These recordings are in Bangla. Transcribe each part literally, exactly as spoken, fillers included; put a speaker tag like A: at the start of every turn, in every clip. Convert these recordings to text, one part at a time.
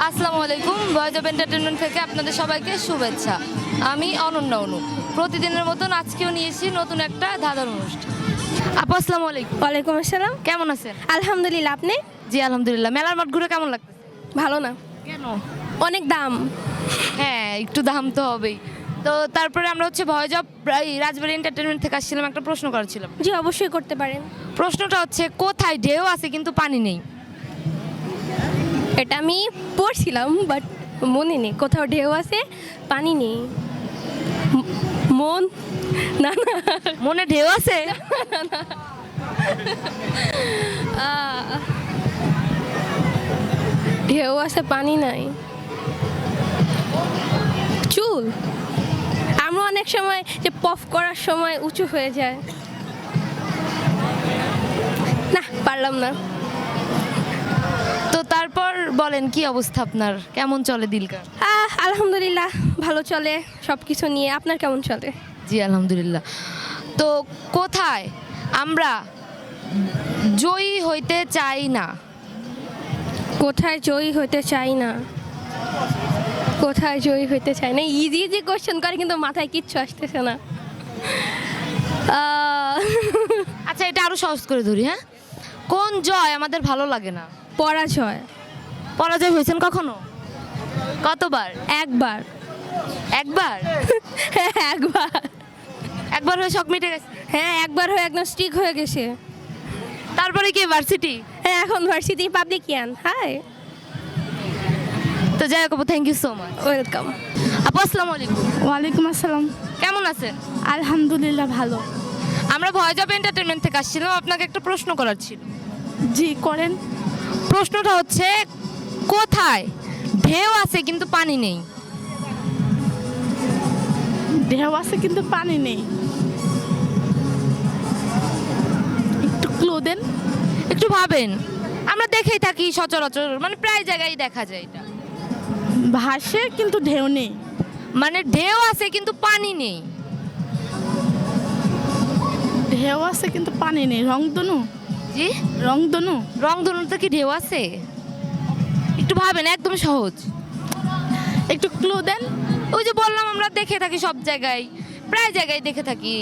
A: আসসালামু আলাইকুম, ভয়েস অফ এন্টারটেনমেন্ট থেকে আপনাদের সবাইকে শুভেচ্ছা। আমি অনন্যা অনু। প্রতিদিনের মতন আজকেও নিয়েছি নতুন একটা ধাঁধার অনুষ্ঠান। আপু আসসালামু আলাইকুম।
B: ওয়ালাইকুম আসসালাম।
A: কেমন আছেন?
B: আলহামদুলিল্লাহ, আপনি?
A: জি আলহামদুলিল্লাহ। মেলার মাঠ ঘুরে কেমন লাগছে?
B: ভালো না।
A: কেন?
B: অনেক দাম।
A: হ্যাঁ, একটু দাম তো হবেই। তো তারপরে আমরা হচ্ছে ভয়েস অফ রাজবাড়ি এন্টারটেনমেন্ট থেকে আসছিলাম, একটা প্রশ্ন করার ছিল।
B: জি অবশ্যই করতে পারেন।
A: প্রশ্নটা হচ্ছে, কোথায় ঢেউ আছে কিন্তু পানি নেই?
B: এটা আমি পড়ছিলাম বাট মনে নেই। কোথাও ঢেউ আছে পানি নেই। ম- মন না না
A: মনে ঢেউ আছে?
B: আহ, ঢেউ আছে পানি নাই। চুল। আমরা অনেক সময় যে পফ করার সময় উঁচু হয়ে যায়। না, পারলাম না।
A: তো তারপর বলেন, কি অবস্থা আপনার? কেমন চলে দিনকাল?
B: আহ, আলহামদুলিল্লাহ, ভালো চলে সব কিছু নিয়ে। আপনার কেমন চলে?
A: জি আলহামদুলিল্লাহ। তো কোথায় আমরা জয়ী হইতে চাই না?
B: কোথায় জয়ী হতে চাই না? কোথায় জয়ী হতে চাই না? ইজি ইজি কোশ্চেন করে কিন্তু মাথায় কিচ্ছু আসতেছে না। আহ,
A: আচ্ছা, এটা আরো সহজ করে ধরি। হ্যাঁ, কোন জয় আমাদের ভালো লাগে না?
B: পরাজয়।
A: পরাজয় হয়েছেন কখনো? কতবার?
B: একবার।
A: একবার?
B: হ্যাঁ, একবার।
A: একবার হয়ে শখ মিটে গেছে?
B: হ্যাঁ, একবার হয়ে একদম স্ট্রিক হয়ে গেছে।
A: তারপরে কি ভার্সিটি?
B: হ্যাঁ, এখন ভার্সিটি পাবলিকিয়ান। হাই,
A: তো যাই হোক, thank you so much.
B: Welcome.
A: আপু আসসালামু আলাইকুম।
C: ওয়ালাইকুম আসসালাম।
A: কেমন আছেন?
C: আলহামদুলিল্লাহ, ভালো।
A: আমরা ভয়েস অফ এন্টারটেনমেন্ট থেকে আসছিলাম, আপনাকে একটা প্রশ্ন করার ছিল।
C: জি করেন।
A: প্রশ্নটা হচ্ছে, কোথায় ঢেউ আছে কিন্তু পানি নেই?
C: ঢেউ আছে কিন্তু পানি নেই। একটু ক্লু দেন।
A: একটু ভাবেন। আমরা দেখেই থাকি সচরাচর, মানে প্রায় জায়গায় দেখা যায় এটা।
C: ভাসে কিন্তু ঢেউ নেই।
A: মানে ঢেউ আছে কিন্তু পানি নেই।
C: ঢেউ আছে কিন্তু পানি নেই। রংধনু।
A: জি,
C: রংধনু।
A: রংধনুতে কি ঢেউ আছে? একটু ভাবেন, একদম সহজ।
C: একটু ক্লু দেন।
A: ওই যে বললাম, আমরা দেখে থাকি সব জায়গায়, প্রায় জায়গায় দেখে থাকি।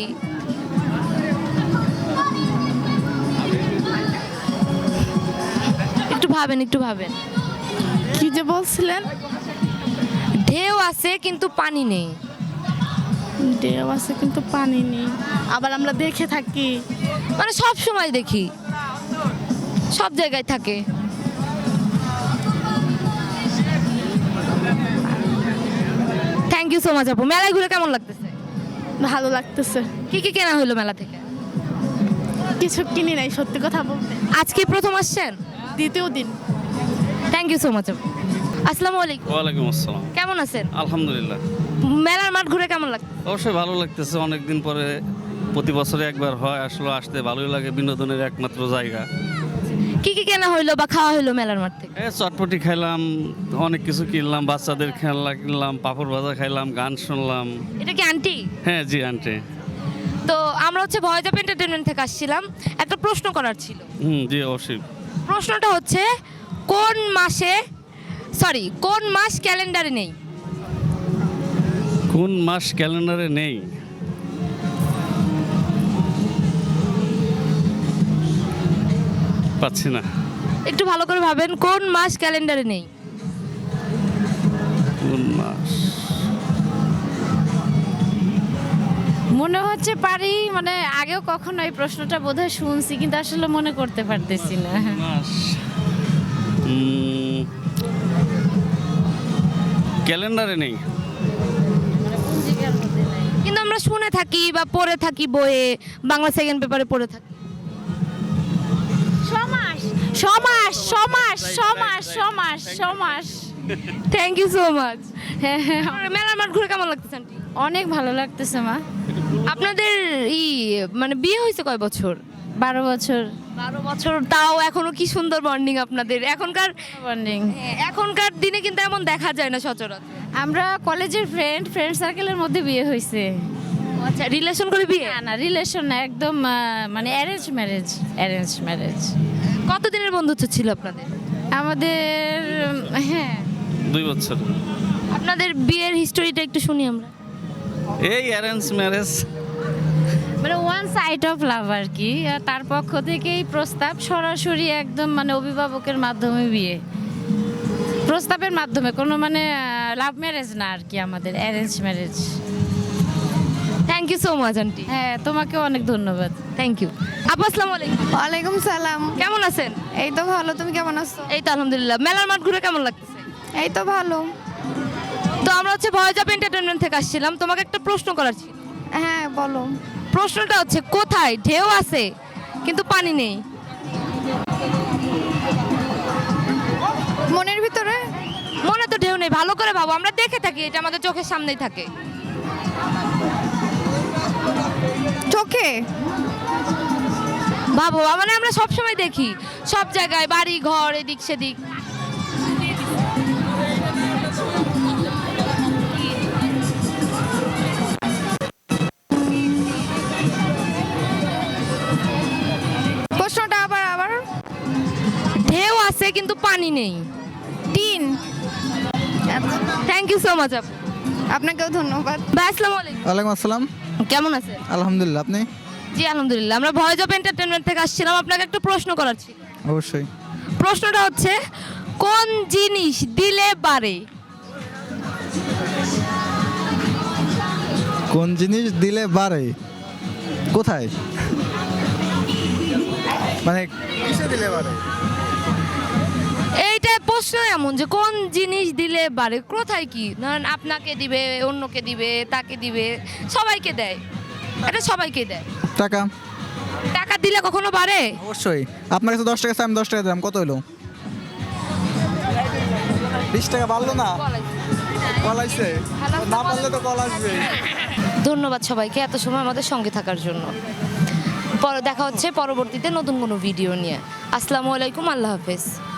A: একটু ভাবেন, একটু ভাবেন।
C: কি যে বলছিলেন?
A: ঢেউ আছে কিন্তু পানি নেই।
C: ঢেউ আছে কিন্তু পানি নেই, আবার আমরা দেখে থাকি।
A: মানে সব সময় দেখি, সব জায়গায় থাকে। থ্যাংক ইউ সো মাচ আপু। মেলায় ঘুরে কেমন লাগতেছে?
C: ভালো লাগতেছে।
A: কি কি কেনা হলো মেলা থেকে?
C: কিছু কিনি নাই, সত্যি কথা বলতে।
A: আজকে প্রথম আসছেন?
C: দ্বিতীয় দিন।
A: থ্যাংক ইউ সো মাচ আপু। আসসালামু আলাইকুম।
D: ওয়ালাইকুম আসসালাম।
A: কেমন আছেন?
D: আলহামদুলিল্লাহ,
A: মেলার মাঠ ঘুরে কেমন লাগছে?
D: অবশ্যই ভালো লাগতেছে। অনেকদিন পরে, প্রতি বছরে একবার হয়, আসলে আসতে ভালোই লাগে। বিনোদনের একমাত্র জায়গা।
A: কি কি কেনা হইলো বা খাওয়া হইলো মেলার মাঠ থেকে?
D: এ চটপটি খাইলাম, অনেক কিছু কিনলাম, বাচ্চাদের খেলনা কিনলাম, পাঁপড় ভাজা খাইলাম, গান শুনলাম।
A: এটা কি আন্টি?
D: হ্যাঁ জি আন্টি।
A: তো আমরা হচ্ছে ভয়েস অফ এন্টারটেনমেন্ট থেকে আসছিলাম, একটা প্রশ্ন করার ছিল।
D: হুম জি অবশ্যই।
A: প্রশ্নটা হচ্ছে, কোন মাসে সরি কোন মাস ক্যালেন্ডারে নেই?
D: কোন মাস ক্যালেন্ডারে নেই? পাচ্ছি না।
A: একটু ভালো করে ভাবেন, কোন মাস ক্যালেন্ডারে নেই?
D: কোন মাস?
E: মনে হচ্ছে পারি, মানে আগেও কখনো এই প্রশ্নটা বোধহয় শুনছি, কিন্তু আসলে মনে করতে পারতেছি না।
D: মাস উম, ক্যালেন্ডারে নেই।
A: কিন্তু আমরা শুনে থাকি বা পড়ে থাকি বইয়ে, বাংলা সেকেন্ড পেপারে পড়ে থাকি।
E: সমাস সমাস সমাস সমাস সমাস সমাস
A: থ্যাংক ইউ সো মাচ।
E: হ্যাঁ হ্যাঁ,
A: মেলার মাঠ ঘুরে কেমন লাগতেছে আন্টি?
E: অনেক ভালো লাগতেছে মা।
A: আপনাদের ই মানে বিয়ে হয়েছে কয় বছর?
E: বারো বছর।
A: বারো বছর, তাও এখনো কি সুন্দর বন্ডিং আপনাদের। এখনকার
E: বন্ডিং।
A: এখনকার দিনে কিন্তু এমন দেখা যায় না সচরাচর।
E: আমরা কলেজের ফ্রেন্ড ফ্রেন্ড সার্কেলের মধ্যে বিয়ে হয়েছে।
A: আচ্ছা, রিলেশন করে বিয়ে?
E: না না, রিলেশন না, একদম আহ, মানে অ্যারেঞ্জ ম্যারেজ। Arrange marriage.
A: কতদিনের বন্ধুত্ব ছিল আপনাদের?
E: আমাদের উম, হ্যাঁ
D: দুই বছর।
A: আপনাদের বিয়ের হিস্টোরিটা একটু শুনি আমরা।
D: এই অ্যারেঞ্জ ম্যারেজ।
E: মানে ওয়ান সাইড অফ লাভ আর কি। আর তার পক্ষ থেকেই প্রস্তাব, সরাসরি একদম মানে অভিভাবকের মাধ্যমে বিয়ে, প্রস্তাবের মাধ্যমে, কোনো মানে লাভ ম্যারেজ না আর কি, আমাদের arrange marriage.
A: Thank you so much aunty.
E: হ্যাঁ, তোমাকে অনেক ধন্যবাদ।
A: Thank you. আপু আসসালামু আলাইকুম।
F: ওয়ালাইকুম সালাম।
A: কেমন আছেন?
F: এই তো ভালো, তুমি কেমন আছো?
A: এই তো আলহামদুলিল্লাহ। মেলার মাঠ ঘুরে কেমন লাগতেছে?
F: এই তো ভালো।
A: তো আমরা হচ্ছে ভয়েস অফ এন্টারটেনমেন্ট থেকে আসছিলাম, তোমাকে একটা প্রশ্ন করার ছিল।
F: হ্যাঁ বলো।
A: প্রশ্নটা হচ্ছে, কোথায় ঢেউ আছে কিন্তু পানি নেই?
F: মনের ভিতরে।
A: মনে তো ঢেউ নেই, ভালো করে ভাবো, আমরা দেখে থাকি, এটা আমাদের চোখের সামনেই থাকে।
F: চোখে।
A: ভাবো, মানে আমরা সব সময় দেখি, সব জায়গায়, বাড়ি ঘর, এদিক সেদিক।
F: প্রশ্নটা আবার আবার।
A: ঢেউ আছে কিন্তু পানি নেই।
F: তিন।
A: থ্যাংক ইউ সো মাচ আপু।
F: আপনাকেও ধন্যবাদ।
A: ভাই আসসালামু আলাইকুম।
G: ওয়ালাইকুম আসসালাম।
A: কেমন আছেন?
G: আলহামদুলিল্লাহ, আপনি?
A: জি আলহামদুলিল্লাহ। আমরা ভয়েস অফ এন্টারটেনমেন্ট থেকে আসছিলাম, আপনাকে একটা প্রশ্ন করার ছিল।
G: অবশ্যই।
A: প্রশ্নটা হচ্ছে, কোন জিনিস দিলে বাড়ে?
G: কোন জিনিস দিলে বাড়ে? কোথায়? মানে কিসে দিলে বাড়ে?
A: এইটা প্রশ্ন এমন যে কোন জিনিস দিলে বাড়ে, কোথায় কি? ধরেন আপনাকে দিবে, অন্যকে দিবে, তাকে দিবে, সবাইকে দেয়, এটা সবাইকে দেয়।
G: টাকা।
A: টাকা দিলে কখনো বাড়ে?
G: অবশ্যই। আপনার কাছে দশ টাকা আছে, আমি দশ টাকা দিলাম, কত হলো? বিশ টাকা বাড়লো না? কলাইছে না, পারলে তো কল আসবে।
A: ধন্যবাদ সবাইকে এত সময় আমাদের সঙ্গে থাকার জন্য। পরে দেখা হচ্ছে পরবর্তীতে নতুন কোনো ভিডিও নিয়ে। আসসালামু আলাইকুম, আল্লাহ হাফেজ।